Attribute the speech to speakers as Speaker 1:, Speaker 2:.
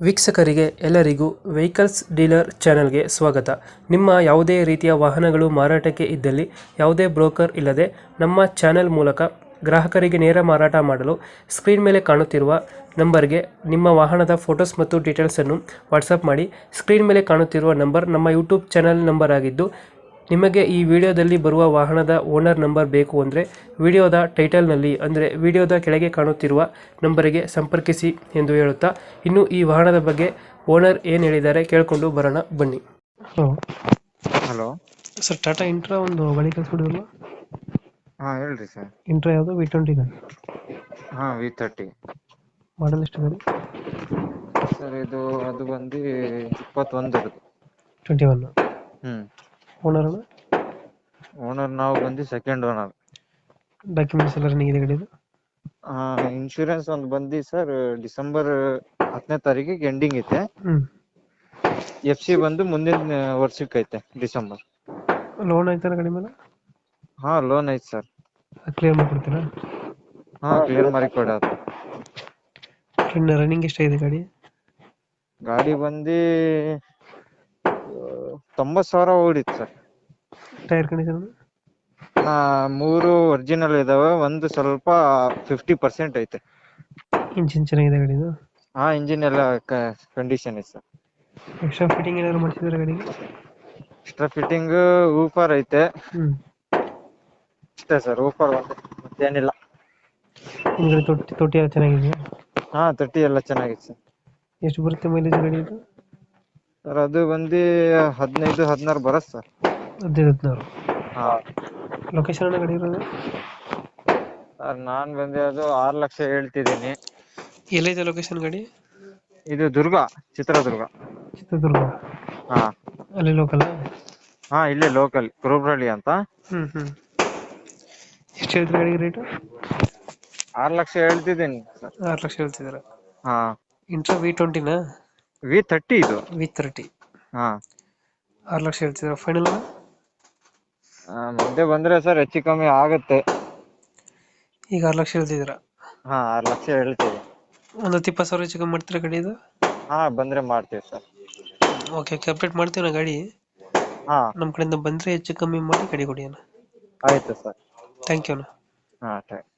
Speaker 1: ವೀಕ್ಷಕರಿಗೆ ಎಲ್ಲರಿಗೂ vehicles dealer ಚಾನೆಲ್ಗೆ ಸ್ವಾಗತ. ನಿಮ್ಮ ಯಾವುದೇ ರೀತಿಯ ವಾಹನಗಳು ಮಾರಾಟಕ್ಕೆ ಇದ್ದಲ್ಲಿ ಯಾವುದೇ ಬ್ರೋಕರ್ ಇಲ್ಲದೆ ನಮ್ಮ ಚಾನೆಲ್ ಮೂಲಕ ಗ್ರಾಹಕರಿಗೆ ನೇರ ಮಾರಾಟ ಮಾಡಲು ಸ್ಕ್ರೀನ್ ಮೇಲೆ ಕಾಣುತ್ತಿರುವ ನಂಬರ್ಗೆ ನಿಮ್ಮ ವಾಹನದ ಫೋಟೋಸ್ ಮತ್ತು ಡೀಟೇಲ್ಸನ್ನು ವಾಟ್ಸಪ್ ಮಾಡಿ. ಸ್ಕ್ರೀನ್ ಮೇಲೆ ಕಾಣುತ್ತಿರುವ ನಂಬರ್ ನಮ್ಮ ಯೂಟ್ಯೂಬ್ ಚಾನೆಲ್ ನಂಬರ್ ಆಗಿದ್ದು, ನಿಮಗೆ ಈ ವಿಡಿಯೋದಲ್ಲಿ ಬರುವ ವಾಹನದ ಓನರ್ ನಂಬರ್ ಬೇಕು ಅಂದರೆ ವಿಡಿಯೋದ ಟೈಟಲ್ನಲ್ಲಿ ಅಂದರೆ ವಿಡಿಯೋದ ಕೆಳಗೆ ಕಾಣುತ್ತಿರುವ ನಂಬರಿಗೆ ಸಂಪರ್ಕಿಸಿ ಎಂದು ಹೇಳುತ್ತಾ, ಇನ್ನು ಈ ವಾಹನದ ಬಗ್ಗೆ ಓನರ್ ಏನು ಹೇಳಿದ್ದಾರೆ ಕೇಳಿಕೊಂಡು ಬರೋಣ ಬನ್ನಿ. Hello
Speaker 2: hello
Speaker 1: sir, Tata Intra ಒಂದು ಗಾಡಿ ಕಳಿಸ್ಬಿಡಿದ್ರಲ್ಲ.
Speaker 2: ಹೇಳ್ರಿ ಸರ್.
Speaker 1: ಇಂಟ್ರಾ ಯಾವುದು? V20
Speaker 2: V30
Speaker 1: ಮಾಡಲ್ ಎಷ್ಟು ಗಾಡಿ?
Speaker 2: ಸರ್ ಅದು ಬಂದು 21.
Speaker 1: 21.
Speaker 2: ಹ್ಮ್
Speaker 1: ಓನರ್
Speaker 2: ಓನರ್ ನಾವು ಬಂದು ಸೆಕೆಂಡ್ ಓನರ್.
Speaker 1: ಡಾಕ್ಯುಮೆಂಟ್ಸ್ ಎಲ್ಲ ರನ್ನಿಂಗ್ ಇದೆ ಗಾಡಿದು?
Speaker 2: ಇನ್ಶೂರೆನ್ಸ್ ಒಂದು ಬಂದು ಸರ್ ಡಿಸೆಂಬರ್ 10ನೇ ತಾರೀಕಿಗೆ ಎಂಡಿಂಗ್ ಐತೆ. FC ಬಂದು ಮುಂದಿನ ವರ್ಷಕ್ಕೆ ಐತೆ, ಡಿಸೆಂಬರ್.
Speaker 1: ಲೋನ್ ಆಯ್ತಾರ ಗಾಡಿ ಮೇಲೆ?
Speaker 2: ಲೋನ್ ಐತೆ ಸರ್.
Speaker 1: ಕ್ಲಿಯರ್ ಮಾಡ್ಕೊಡ್ತೀರಾ?
Speaker 2: ಕ್ಲಿಯರ್ ಮಾಡಿ ಕೊಡೋದು.
Speaker 1: ರನ್ನಿಂಗ್ ಎಷ್ಟಾಗಿದೆ ಗಾಡಿ?
Speaker 2: ಗಾಡಿ ಬಂದು 90,000 ಓಡಿತ್ತು ಸರ್.
Speaker 1: Tyre condition?
Speaker 2: 3 ಒರಿಜಿನಲ್ ಇದಾವೆ, ಒಂದು ಸ್ವಲ್ಪ 50% ಐತೆ.
Speaker 1: ಇಂಜಿನ್ ಚೆನ್ನಾಗಿದೆ ಗಾಡಿದು?
Speaker 2: ಇಂಜಿನ್ ಎಲ್ಲ ಕಂಡೀಷನ್ ಇದೆ ಸರ್.
Speaker 1: ಎಕ್ಸ್ಟ್ರಾ ಫಿಟ್ಟಿಂಗ್ ಏನಾದ್ರು ಮಾಡಿಸಿದ್ರೆ ಗಾಡಿಗೆ?
Speaker 2: ಎಕ್ಸ್ಟ್ರಾ ಫಿಟ್ಟಿಂಗ್ ಊಫರ್ ಐತೆ ಅಷ್ಟೇ ಸರ್. ಊಫರ್ ಮತ್ತೇನಿಲ್ಲ.
Speaker 1: ಹಿಂದ್ಗಡೆ ತೊಟ್ಟಿ ಎಲ್ಲ ಚೆನ್ನಾಗಿದೆಯಾ?
Speaker 2: ತೊಟ್ಟಿ ಎಲ್ಲ ಚೆನ್ನಾಗಿದೆ ಸರ್.
Speaker 1: ಎಷ್ಟು ಬರುತ್ತೆ ಮೈಲೇಜ್ ಗಾಡಿ ಇದು?
Speaker 2: ಸರ್ ಅದು ಬಂದು 15-16 ಬರುತ್ತೆ ಸರ್.
Speaker 1: 15-16. ಲೊಕೇಶನ್ ಅನ್ನ ಗಾಡಿ ಇರೋದು?
Speaker 2: ಸರ್ ನಾನ್ ಬಂದು ಅದು 6 ಲಕ್ಷ ಹೇಳ್ತಿದ್ದೀನಿ.
Speaker 1: ಎಲ್ಲಿದೆ ಲೊಕೇಶನ್ ಗಾಡಿ?
Speaker 2: ಇದು ಚಿತ್ರದುರ್ಗ.
Speaker 1: ಚಿತ್ರದುರ್ಗ? ಅಲ್ಲಿ ಲೋಕಲ್?
Speaker 2: ಇಲ್ಲೇ ಲೋಕಲ್, ಕುರುಬ್ರಳ್ಳಿ ಅಂತ.
Speaker 1: ಎಷ್ಟು ಹೇಳ್ತೀರಾ ಗಾಡಿಗೆ ರೇಟು?
Speaker 2: 6 ಲಕ್ಷ ಹೇಳ್ತಿದ್ದೀನಿ ಸರ್.
Speaker 1: 6 ಲಕ್ಷ ಹೇಳ್ತಿದ್ದೀರಾ? ಇಂಟ್ರಾ V20
Speaker 2: V30 ಇದು.
Speaker 1: V30. 6 ಲಕ್ಷ ಹೇಳ್ತಿದ್ದೀರಾ ಫೈನಲ್?
Speaker 2: ಮುಂದೆ ಬಂದ್ರೆ ಸರ್ ಹೆಚ್ಚು ಕಮ್ಮಿ ಆಗುತ್ತೆ.
Speaker 1: ಈಗ 6 ಲಕ್ಷ ಹೇಳ್ತಿದ್ದೀರಾ?
Speaker 2: 6 ಲಕ್ಷ ಹೇಳ್ತೀವಿ.
Speaker 1: ಒಂದು 20,000 ಹೆಚ್ಚು ಕಮ್ಮಿ ಮಾಡ್ತೀರಾ ಗಾಡಿ ಇದು?
Speaker 2: ಬಂದ್ರೆ ಮಾಡ್ತೀವಿ ಸರ್.
Speaker 1: ಓಕೆ, ಅಪ್ಡೇಟ್ ಮಾಡ್ತೀವಿ ನಾ ಗಾಡಿ. ನಮ್ಮ ಕಡೆಯಿಂದ ಬಂದರೆ ಹೆಚ್ಚು ಕಮ್ಮಿ ಮಾಡಿ ಗಾಡಿ ಕೊಡಿ ಅಣ್ಣ.
Speaker 2: ಆಯ್ತು ಸರ್.
Speaker 1: ಥ್ಯಾಂಕ್ ಯು ಅಣ್ಣ.
Speaker 2: ಥ್ಯಾಂಕ್